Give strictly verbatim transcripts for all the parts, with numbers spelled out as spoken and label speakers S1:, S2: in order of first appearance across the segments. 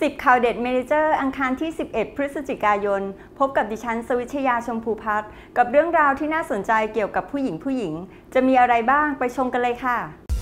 S1: สิบข่าวเด็ดเมเนเจอร์อังคารที่สิบเอ็ดพฤศจิกายนพบกับดิฉันสวิชยาชมพูพัฒน์กับเรื่องราวที่น่าสนใจเกี่ยวกับผู้หญิงผู้หญิงจะมีอะไรบ้างไปชมกันเลยค่ะ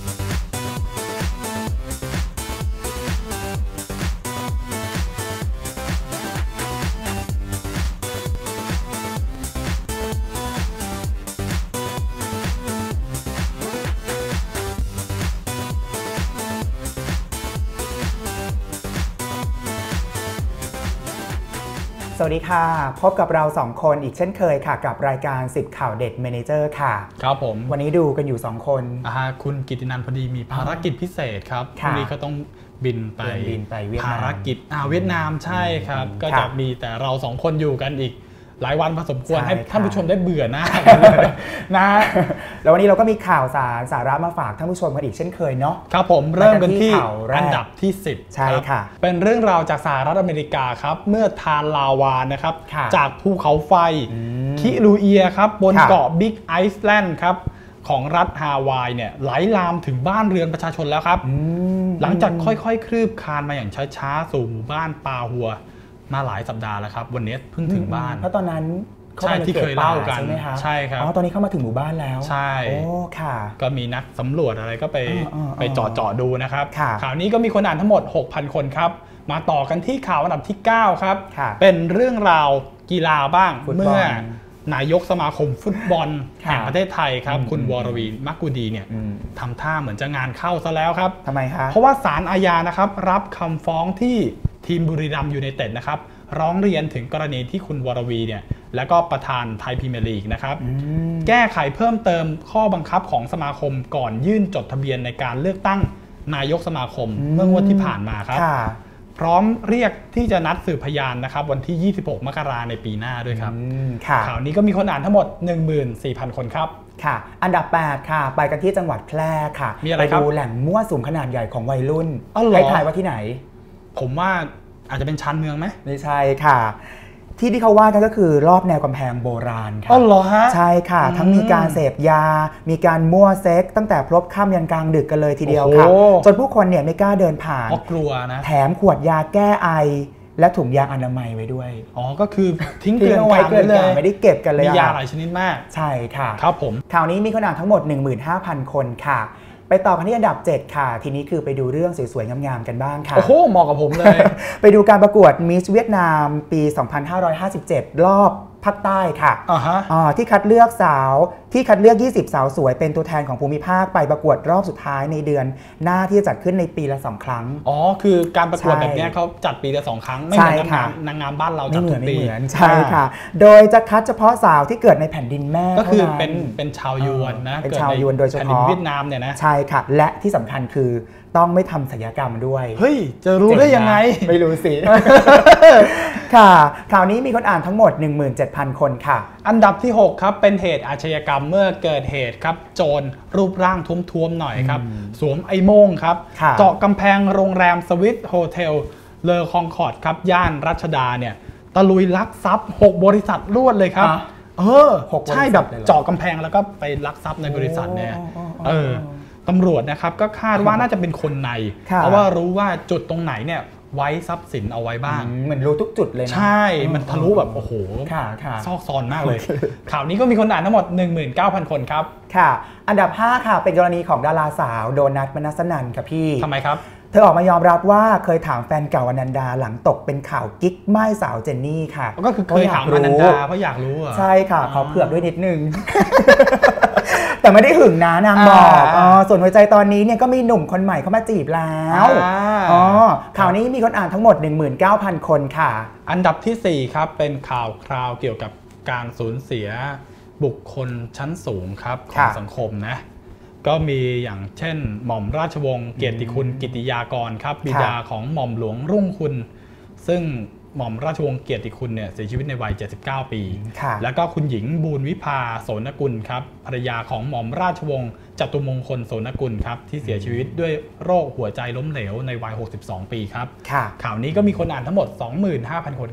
S2: สวัสดีค่ะพบกับเราสองคนอีกเช่นเคยค่ะกับรายการสิบข่าวเด็ดเมเนเจอร์ค่ะ
S3: ครับผม
S2: วันนี้ดูกันอยู่สองคน
S3: อ่าคุณกิตตินันท์พอดีมีภารกิจพิเศษครับพรุ่งนี้ก็ต้องบินไป
S2: บินไปเวียดนาม
S3: ภารกิจอ่าเวียดนามใช่ครับก็จะมีแต่เราสองคนอยู่กันอีกหลายวันพอสมควรให้ท่านผู้ชมได้เบื่อหน้านะ
S2: แล้ววันนี้เราก็มีข่าวสารสาระมาฝากท่านผู้ชมกันอีกเช่นเคยเนาะ
S3: ครับผมเริ่มกันที่อันดับที่สิบ
S2: ใช่ค่ะ
S3: เป็นเรื่องราวจากสหรัฐอเมริกาครับเมื่อทานลาวานะครับจากภูเขาไฟคิรูเอียครับบนเกาะบิ๊กไอซ์แลนด์ครับของรัฐฮาวายเนี่ยไหลลามถึงบ้านเรือนประชาชนแล้วครับหลังจากค่อยๆคลืบคลานมาอย่างช้าๆสู่หมู่บ้านปาหัวมาหลายสัปดาห์แล้วครับวันนี้เพิ่งถึงบ้าน
S2: เพราะตอนนั้น
S3: ใช่ที่เคยเล่ากันใช่ครับ
S2: อ๋อตอนนี้เข้ามาถึงหมู่บ้านแล้ว
S3: ใช่
S2: โอ้ค่ะ
S3: ก็มีนักสำรวจอะไรก็ไปไปเจาะเจาะดูนะครับข่าวนี้ก็มีคนอ่านทั้งหมด หกพัน คนครับมาต่อกันที่ข่าวอันดับที่เก้าครับเป็นเรื่องราวกีฬาบ้างเมื่อนายกสมาคมฟุตบอลแห่งประเทศไทยครับคุณวรวีมักกุดีเนี่ยทำท่าเหมือนจะงานเข้าซะแล้วครับ
S2: ทำไมครับ
S3: เพราะว่าศาลอาญานะครับรับคำฟ้องที่ทีมบุรีรัมย์ยูไนเต็ดนะครับร้องเรียนถึงกรณีที่คุณวรวีเนี่ยและก็ประธานไทยพรีเมียร์ลีกนะครับแก้ไขเพิ่มเติมข้อบังคับของสมาคมก่อนยื่นจดทะเบียนในการเลือกตั้งนายกสมาคมเมื่องวดที่ผ่านมาครับพร้อมเรียกที่จะนัดสืบพยานนะครับวันที่ยี่สิบหกมกราคมในปีหน้าด้วยครับข่าวนี้ก็มีคนอ่านทั้งหมด หนึ่งหมื่นสี่พัน คนครับ
S2: ค่ะอันดับแปดค่ะไปกันที่จังหวัดแพร่ค่ะไปดูแหล่งมั่วสุมขนาดใหญ่ของวัยรุ่นให้ทายว่าที่ไหน
S3: ผมว่าอาจจะเป็นชานเมืองไหม
S2: ไม่ใช่ค่ะที่ที่เขาว่ากันก็คือรอบแนวกำแพงโบราณค่ะ
S3: อ๋อเหรอฮะ
S2: ใช่ค่ะทั้งมีการเสพยามีการมั่วเซ็กตั้งแต่พลบค่ำยันกลางดึกกันเลยทีเดียวค่ะจนผู้คนเนี่ยไม่กล้าเดินผ่าน
S3: เพราะกลัวนะ
S2: แถมขวดยาแก้ไอและถุงยางอนามัยไว้ด้วย
S3: อ๋อก็คือทิ้งเกลื่อน
S2: กลางเลยไม่ได้เก็บกันเลย
S3: มียาหลายชนิดมาก
S2: ใช่ค่ะ
S3: ครับผม
S2: ข่าวนี้มีคนอ่านทั้งหมด หนึ่งหมื่นห้าพัน คนค่ะไปต่อกันที่อันดับเจ็ดค่ะทีนี้คือไปดูเรื่องสวยๆงามๆกันบ้างค่ะ
S3: โอ้โหเหมาะกับผมเลย
S2: ไปดูการประกวดมิสเวียดนามปี สองพันห้าร้อยห้าสิบเจ็ด รอบภาคใต้ค่ะ
S3: uh-huh.
S2: ที่คัดเลือกสาวที่คัดเลือกยี่สิบสาวสวยเป็นตัวแทนของภูมิภาคไปประกวดรอบสุดท้ายในเดือนหน้าที่จะจัดขึ้นในปีละสองครั้ง
S3: อ๋อคือการประกวดแบบนี้เขาจัดปีละสองครั้งไม่เหมือนนางงามบ้านเราจัดทุกปี
S2: ใช่ค่ะโดยจะคัดเฉพาะสาวที่เกิดในแผ่นดินแม่
S3: ก็คือเป็นเป็นชาวยวนนะ
S2: เป็นชาวยวนโดยเฉพาะ
S3: เวียดนามเนี่ยนะ
S2: ใช่ค่ะและที่สำคัญคือต้องไม่ทำศัลยกรรมด้วย
S3: เฮ้ยจะรู้ได้ยังไง
S2: ไม่รู้สิ ค่ะข่าวนี้มีคนอ่านทั้งหมด หนึ่งหมื่นเจ็ดพัน คนค่ะ
S3: อันดับที่หกครับเป็นเหตุอาชญากรรมเมื่อเกิดเหตุครับโจรรูปร่างท้วมๆหน่อยครับสวมไอ้โม่งครับเจาะกำแพงโรงแรมสวิสโฮเทลเลอคองคอร์ดครับย่านรัชดาเนี่ยตะลุยลักทรัพย์หกบริษัทรวดเลยครับเออใช่แบบเจาะกำแพงแล้วก็ไปลักทรัพย์ในบริษัทเนี่ยเออตำรวจนะครับก็คาดว่าน่าจะเป็นคนในเพราะว่ารู้ว่าจุดตรงไหนเนี่ยไว้ทรัพย์สินเอาไว้บ้าง
S2: เหมือนรู้ทุกจุดเลยนะ
S3: ใช่มันทะลุแบบโอ้โหซอกซอนมากเลยข่าวนี้ก็มีคนอ่านทั้งหมด หนึ่งหมื่นเก้าพัน คนครับ
S2: ค่ะอันดับห้าค่ะเป็นกรณีของดาราสาวโดนัท มนัสนันท์ค่ะพี่
S3: ทำไมครับ
S2: เธอออกมายอมรับว่าเคยถามแฟนเก่าอนันดาหลังตกเป็นข่าวกิ๊กไม้สาวเจนนี่ค่ะ
S3: ก็คือเคยถามอนันดาเพราะอยากรู้อ่ะ
S2: ใช่ค่ะขอเผือกด้วยนิดนึงแต่ไม่ได้หึงนะนางบอกอ๋อส่วนหัวใจตอนนี้เนี่ยก็มีหนุ่มคนใหม่เข้ามาจีบแล้วอ๋อข่าวนี้มีคนอ่านทั้งหมด หนึ่งหมื่นเก้าพัน คนค่ะ
S3: อันดับที่สี่ครับเป็นข่าวคราวเกี่ยวกับการสูญเสียบุคคลชั้นสูงครับของสังคมนะก็มีอย่างเช่นหม่อมราชวงศ์เกียรติคุณกิติยากรครับบิดาของหม่อมหลวงรุ่งคุณซึ่งหม่อมราชวงศ์เกียรติคุณเนี่ยเสียชีวิตในวัยเจ็ดสิบเก้าปีแล้วก็คุณหญิงบูรวิภาโสนกุลครับภรรยาของหม่อมราชวงศ์จตุมงคลโสนกุลครับที่เสียชีวิตด้วยโรคหัวใจล้มเหลวในวัยหกสิบสองปีครับข่าวนี้ก็มีคนอ่านทั้งหมด สองหมื่นห้าพัน คนครับ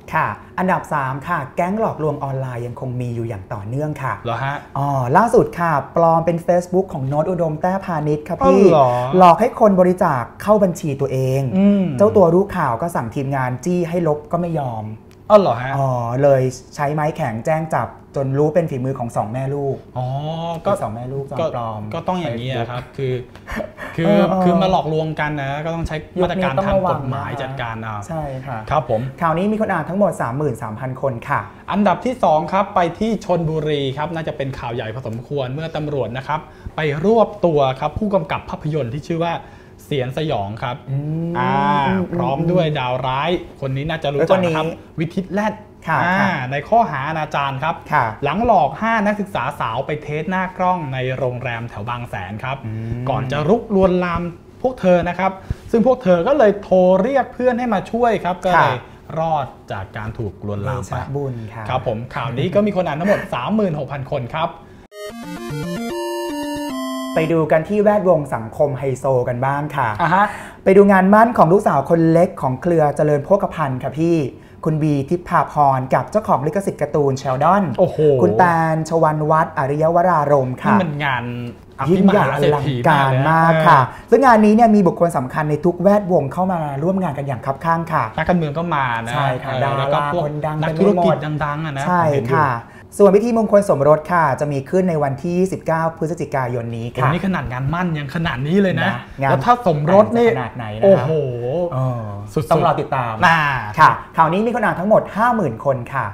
S2: ค่ะอันดับสามค่ะแก๊งหลอกลวงออนไลน์ยังคงมีอยู่อย่างต่อเนื่องค่ะ
S3: เหรอฮะ
S2: อ๋อล่าสุดค่ะปลอมเป็น Facebook ของโน้ตอุดมแต้พาณิชย์ครับพี่หลอกให้คนบริจาคเข้าบัญชีตัวเองเจ้าตัวรู้ข่าวก็สั่งทีมงานจี้ให้ลบก็ไม่ยอม
S3: อ๋อเหรอฮะ
S2: อ๋อเลยใช้ไม้แข็งแจ้งจับจนรู้เป็นฝีมือของสองแม่ลูก
S3: อ๋อก็
S2: สองแม่ลูกปลอม
S3: ก็ต้องอย่างนี้ครับคือคือคือมาหลอกลวงกันนะก็ต้องใช้มาตรการทางกฎหมายจัดการเอา
S2: ใช่ค่ะ
S3: ครับผม
S2: ข่าวนี้มีคนอ่านทั้งหมด สามหมื่นสามพัน คนค่ะ
S3: อันดับที่สองครับไปที่ชลบุรีครับน่าจะเป็นข่าวใหญ่พอสมควรเมื่อตำรวจนะครับไปรวบตัวครับผู้กำกับภาพยนตร์ที่ชื่อว่าเสียนสยองครับอ่าพร้อมด้วยดาวร้ายคนนี้น่าจะรู้จักนะครับวิทิตแรดในข้อหาอนาจารครับหลังหลอกห้านักศึกษาสาวไปเทสหน้ากล้องในโรงแรมแถวบางแสนครับก่อนจะรุกลวนลามพวกเธอนะครับซึ่งพวกเธอก็เลยโทรเรียกเพื่อนให้มาช่วยครับก็เลยรอดจากการถูกลวนลามไป
S2: บุญ
S3: ครับผมข่าวนี้ก็มีคนอ่านทั้งหมด สามหมื่นหกพัน คนครับ
S2: ไปดูกันที่แวดวงสังคมไฮโซกันบ้างค่ะ
S3: uh-huh.
S2: ไปดูงานมั่นของลูกสาวคนเล็กของเครือเจริญโภคภัณฑ์ค่ะพี่คุณบีทิพาพรกับเจ้าของลิขสิทธิ์การ์ตูนเชลดอนคุณแตนชวันวัฒน์อริยวรารมค่ะ
S3: นี่มันงาน
S2: ยิ่งใหญ่อลังการมากค่ะซึ่งงานนี้เนี่ยมีบุคคลสำคัญในทุกแวดวงเข้ามาร่วมงานกันอย่างคับข้างค่ะ
S3: นักการเมืองก็มานะ
S2: ใช่ค่ะดาราคนดัง
S3: นักธุรกิจดังๆนะ
S2: ใช่ค่ะส่วนพิธีมงคลสมรสค่ะจะมีขึ้นในวันที่ยี่สิบเก้าพฤศจิกายนนี้ค่ะ
S3: นี่ขนาดงานมั่นยังขนาดนี้เลยนะแล้วถ้าสมรสนี่
S2: ขนาดไหนนะ
S3: โอ้โห
S2: สุดต้องรอติดตาม
S3: ค่ะ
S2: ข่าวนี้มีคนอ่านทั้งหมด ห้าหมื่น คนค่ะ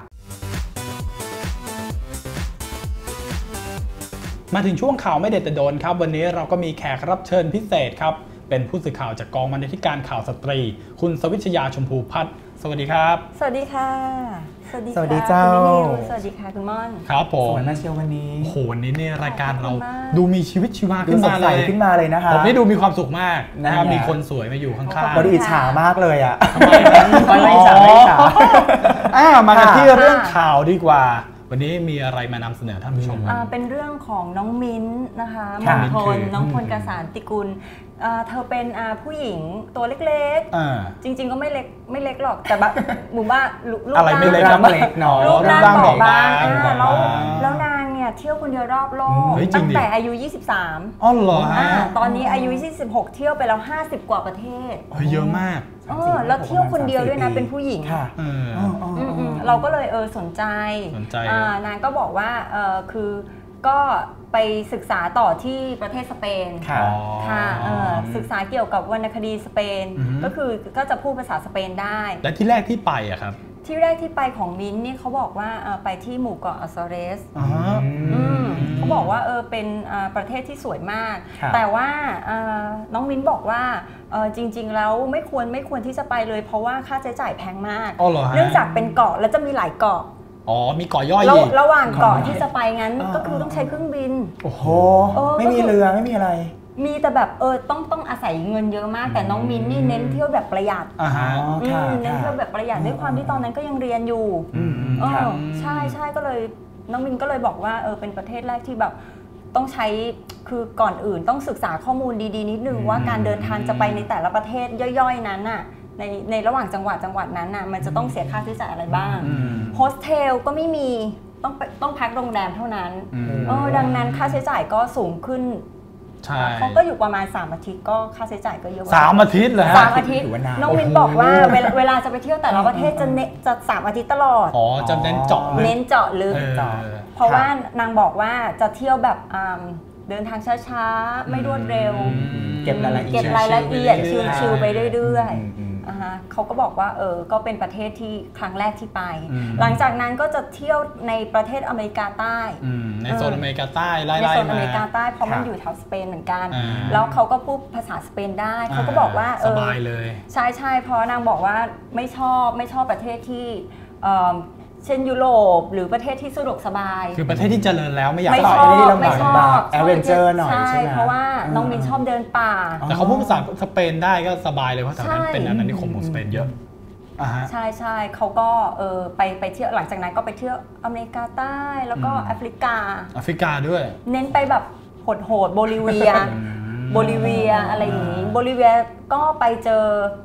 S3: มาถึงช่วงข่าวไม่เด็ดแต่โดนครับวันนี้เราก็มีแขกรับเชิญพิเศษครับเป็นผู้สื่อข่าวจากกองบรรณาธิการข่าวสตรีคุณสวิชยาชมพูพัฒน์สวัสดีครับ
S1: สวัสดีค่ะ
S2: สวัสดีสวัสดีเจ้า
S1: สวัสดีค่ะคุณม่อน
S3: ครับผม
S2: สวยมากเชียววันนี้
S3: โอ้โหวันนี้เนี่ยรายการเราดูมีชีวิตชีวาขึ้นมา
S2: เลยขึ้นมาเลยนะคะ
S3: ผมนี่ดูมีความสุขมากนะครับมีคนสวยมาอยู่ข้างๆ
S2: เราดูอิจฉามากเลยอ่ะ
S3: ทำไมนะ
S2: ไม่อิจฉาไม่อิจฉา
S3: มากันที่เรื่องข่าวดีกว่าวันนี้มีอะไรมานำเสนอท่านผู้ชม
S1: เป็นเรื่องของน้องมิ้นนะคะมงคลน้องพลกสารติกุลเธอเป็นผู้หญิงตัวเล็กๆจริงๆก็ไม่เล็กไม่เล็กหรอกแต่แบบหมู่บ้าน
S3: ลูกอะไรไม่เล็ก
S2: เล็กหนอ
S1: รูปร่างบอบบางแล้วแล้วนางเนี่ยเที่ยวคนเดียวรอบโลกตั้งแต่อายุยี่สิบสาม
S3: อ๋อเหรอ
S1: ตอนนี้อายุยี่สิบหกเที่ยวไปแล้วห้าสิบกว่าประเทศ
S3: เยอะมาก
S1: เออแล้วเที่ยวคนเดียวด้วยนะเป็นผู้หญิงเราก็เลยเออสนใจนางก็บอกว่าเออคือก็ไปศึกษาต่อที่ประเทศสเปนค่ะศึกษาเกี่ยวกับวรรณคดีสเปนก็คือก็จะพูดภาษาสเปนได้
S3: และที่แรกที่ไปอะครับ
S1: ที่แรกที่ไปของมิ้นนี่เขาบอกว่าไปที่หมู่เกาะอัซอเรสเขาบอกว่าเออเป็นประเทศที่สวยมากแต่ว่าน้องมิ้นบอกว่าจริงๆแล้วไม่ควรไม่ควรที่จะไปเลยเพราะว่าค่าใช้จ่ายแพงมากเนื่องจากเป็นเกาะแล้วจะมีหลายเกาะ
S3: อ๋อมีเกาะย่อย
S1: อีกระหว่างเกาะที่จะไปงั้นก็คือต้องใช้เครื่องบิน
S2: โอ้โหไม่มีเรือไม่มีอะไร
S1: มีแต่แบบเออต้องต้องอาศัยเงินเยอะมากแต่น้องมิ้นนี่เน้นเที่ยวแบบประหยัดเน้นเที่ยวแบบประหยัดด้วยความที่ตอนนั้นก็ยังเรียนอยู่เออใช่ใช่ก็เลยน้องมิ้นก็เลยบอกว่าเออเป็นประเทศแรกที่แบบต้องใช้คือก่อนอื่นต้องศึกษาข้อมูลดีๆนิดนึงว่าการเดินทางจะไปในแต่ละประเทศย่อยๆนั้นน่ะในในระหว่างจังหวัดจังหวัดนั้นน่ะมันจะต้องเสียค่าใช้จ่ายอะไรบ้างโฮสเทลก็ไม่มีต้องต้องพักโรงแรมเท่านั้นเออดังนั้นค่าใช้จ่ายก็สูงขึ้นเขาก็อยู่ประมาณสามอาทิตย์ก็ค่าใช้จ่ายก็เยอะ
S3: สามอาทิตย์เหรอฮะ
S1: สามอาทิตย์น้องวินบอกว่าเวลาจะไปเที่ยวแต่ละประเทศจะเน้นจะสามอาทิตย์ตลอด
S3: อ๋อจะเน้นเจาะ
S1: เน้นเจาะลึกเพราะว่านางบอกว่าจะเที่ยวแบบเดินทางช้าๆไม่รวดเร็ว
S2: เก็บรายละเอียด
S1: เก็บรายละเอียดชิลๆไปเรื่อยๆเขาก็บอกว่าเออก็เป็นประเทศที่ครั้งแรกที่ไปหลังจากนั้นก็จะเที่ยวในประเทศอเมริกาใต้
S3: ในโซนอเมริกาใต้ไล่ๆ
S1: มาในโซนอเมริกาใต้เพราะมันอยู่แถวสเปนเหมือนกันแล้วเขาก็พูดภาษาสเปนได้เขาก็บอกว่า
S3: สบายเลย
S1: ใช่ใช่เพราะนางบอกว่าไม่ชอบไม่ชอบประเทศที่เช่นยุโรปหรือประเทศที่สะดวกสบาย
S3: คือประเทศที่เจริญแล้วไม่อยาก
S1: ไปที่ลำบาก
S2: แอดเวนเจอร์หน่อย
S1: ใช่เพราะว่าน้องมินชอบเดินป่า
S3: แต่เขาพูดภาษาสเปนได้ก็สบายเลยเพราะแถวนั้นเป็นอาณานิคมของสเปนเยอะ
S1: ใช่ใช่เขาก็เออไปไปเที่ยวหลังจากนั้นก็ไปเที่ยวอเมริกาใต้แล้วก็แอฟริกา
S3: แอฟริกาด้วย
S1: เน้นไปแบบโหดๆโบลิเวียโบลิเวียอะไรอย่างนี้โบลิเวียก็ไปเจอ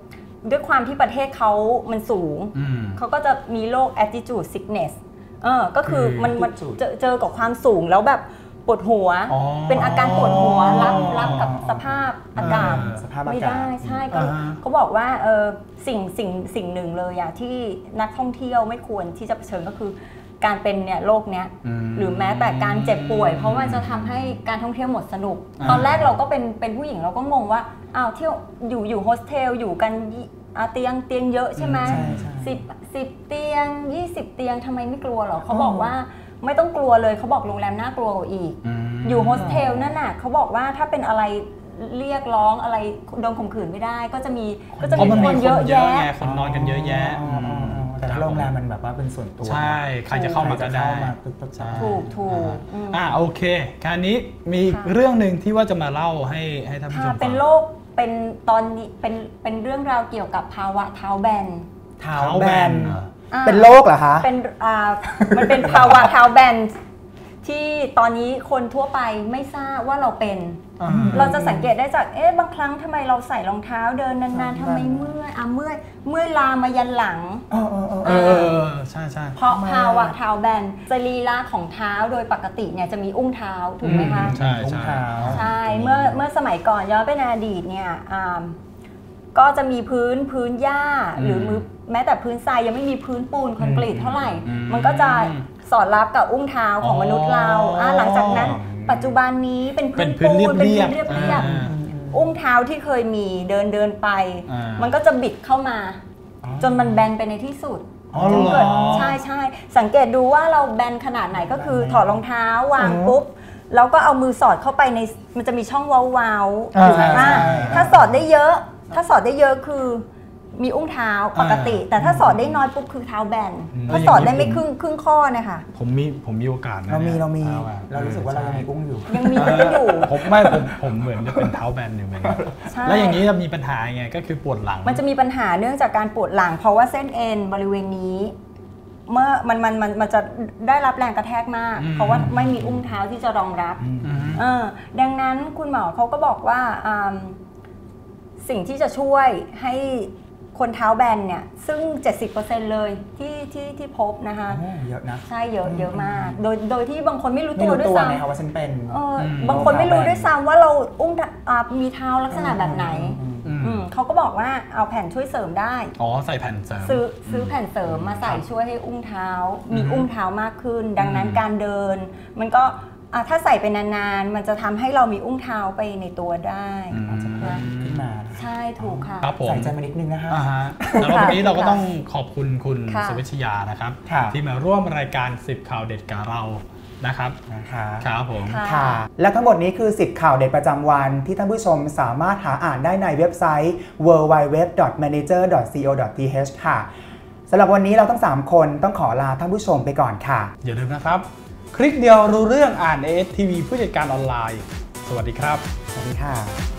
S1: ด้วยความที่ประเทศเขามันสูงเขาก็จะมีโรค altitude sickness เออก็คือมันมันเจอเจอกับความสูงแล้วแบบปวดหัวเป็นอาการปวดหัวรับรับกับสภาพอากาศไม่ได้ใช่ก็เขาบอกว่าเออสิ่งสิ่งสิ่งหนึ่งเลยอะที่นักท่องเที่ยวไม่ควรที่จะเผชิญก็คือการเป็นเนี่ยโรคเนี้ยหรือแม้แต่การเจ็บป่วยเพราะมันจะทำให้การท่องเที่ยวหมดสนุกตอนแรกเราก็เป็นเป็นผู้หญิงเราก็งงว่าอ้าวเที่ยวอยู่อยู่โฮสเทลอยู่กันเตียงเตียงเยอะใช่ไหมสิบสิบเตียงยี่สิบเตียงทำไมไม่กลัวหรอเขาบอกว่าไม่ต้องกลัวเลยเขาบอกโรงแรมน่ากลัวกว่าอีกอยู่โฮสเทลนั่นน่ะเขาบอกว่าถ้าเป็นอะไรเรียกร้องอะไรโดนข่มขืนไม่ได้ก็จะมีก็จะมีคนเยอะแยะ
S3: คนนอนกันเยอะแยะ
S2: แต่โรงแรมมันแบบว่าเป็นส่วนตัว
S3: ใช่ใครจะเข้ามาก็ได้
S1: ถูกถูก
S3: อ่าโอเคคราวนี้มีเรื่องหนึ่งที่ว่าจะมาเล่าให้ให้ท่านผู้ชมฟัง
S1: เป็นโรคเป็นตอนนี้เป็นเป็นเรื่องราวเกี่ยวกับภาวะเท้าแบน
S2: เท้าแบนเป็นโรคเหรอคะ
S1: เป็นอ่ามันเป็นภาวะเท้าแบนที่ตอนนี้คนทั่วไปไม่ทราบว่าเราเป็นเราจะสังเกตได้จากเอ๊ะบางครั้งทำไมเราใส่รองเท้าเดินนานๆทำไมเมื่อยอ่ะเมื่อยเมื่อยลามมายันหลัง
S3: เออเออใช่ใช่
S1: เพราะภาวะเท้าแบนสรีระของเท้าโดยปกติเนี่ยจะมีอุ้งเท้าถูกไหมคะ
S3: ใช่ใช่
S1: ใช่เมื่อเมื่อสมัยก่อนย้อนไปในอดีตเนี่ยก็จะมีพื้นพื้นหญ้าหรือมือแม้แต่พื้นทรายยังไม่มีพื้นปูนคอนกรีตเท่าไหร่มันก็จะสอดรับกับอุ้งเท้าของมนุษย์เราหลังจากนั้นปัจจุบันนี้เป็นพื้นปูนเป็นพื้นเรียบๆอุ้งเท้าที่เคยมีเดินเดินไปมันก็จะบิดเข้ามาจนมันแบนไปในที่สุดจนเกิดใช่ใช่สังเกตดูว่าเราแบนขนาดไหนก็คือถอดรองเท้าวางปุ๊บแล้วก็เอามือสอดเข้าไปในมันจะมีช่องเว้าๆถูกไหมถ้าสอดได้เยอะถ้าสอดได้เยอะคือมีอุ้งเท้าปกติแต่ถ้าสอดได้น้อยปุ๊บคือเท้าแบนถ้าสอดได้ไม่ครึ่งครึ่งข้อเนี่ยค่ะ
S3: ผมมีผมมีโอกาสนะ
S2: เรามีเรามีเรารู้สึกว่าเรายังมีอุ้งอยู่
S1: ยังมีอุ้งอยู่
S3: ผมไม่ผมผมเหมือนจะเป็นเท้าแบนอยู่เหมือนกันแล้วอย่างนี้จะมีปัญหาไงก็คือปวดหลัง
S1: มันจะมีปัญหาเนื่องจากการปวดหลังเพราะว่าเส้นเอ็นบริเวณนี้เมื่อมันมันมันมันจะได้รับแรงกระแทกมากเพราะว่าไม่มีอุ้งเท้าที่จะรองรับดังนั้นคุณหมอเขาก็บอกว่าสิ่งที่จะช่วยให้คนเท้าแบนเนี่ยซึ่ง เจ็ดสิบเปอร์เซ็นต์ เลยที่ที่ที่พบนะคะ
S2: เยอะนะ
S1: ใช่เยอะเยอะมากโดยโดยที่บางคนไม่รู้ตัวด้วยซ้ำ
S2: ว่าฉันเป็น
S1: บางคนไม่รู้ด้วยซ้ำว่าเราอุ้งมีเท้าลักษณะแบบไหนเขาก็บอกว่าเอาแผ่นช่วยเสริมได้
S3: อ๋อใส่แผ่นเสริม
S1: ซื้อซื้อแผ่นเสริมมาใส่ช่วยให้อุ้งเท้ามีอุ้งเท้ามากขึ้นดังนั้นการเดินมันก็ถ้าใส่ไปนานๆมันจะทำให้เรามีอุ้งเท้าไปในตัวได้
S2: อาจจะเพิ่มขึ้นมา
S1: ใช่ถูกค่ะ
S2: ใส่ใจมานิดนึงนะคะ
S3: แล้ววันนี้เราก็ต้องขอบคุณคุณสวิชยานะครับที่มาร่วมรายการสิบข่าวเด็ดกับเรานะครับครับผม
S2: ค่ะและทั้งหมดนี้คือสิบข่าวเด็ดประจำวันที่ท่านผู้ชมสามารถหาอ่านได้ในเว็บไซต์ ดับเบิลยู ดับเบิลยู ดับเบิลยู ดอท แมเนเจอร์ ดอท ซี โอ ดอท ที เอช ค่ะสำหรับวันนี้เราทั้งสามคนต้องขอลาท่านผู้ชมไปก่อนค่ะ
S3: อย่าลืมนะครับคลิกเดียวรู้เรื่องอ่าน เอ เอส ที วี ผู้จัดการออนไลน์สวัสดีครับ
S2: สวัสดีค่ะ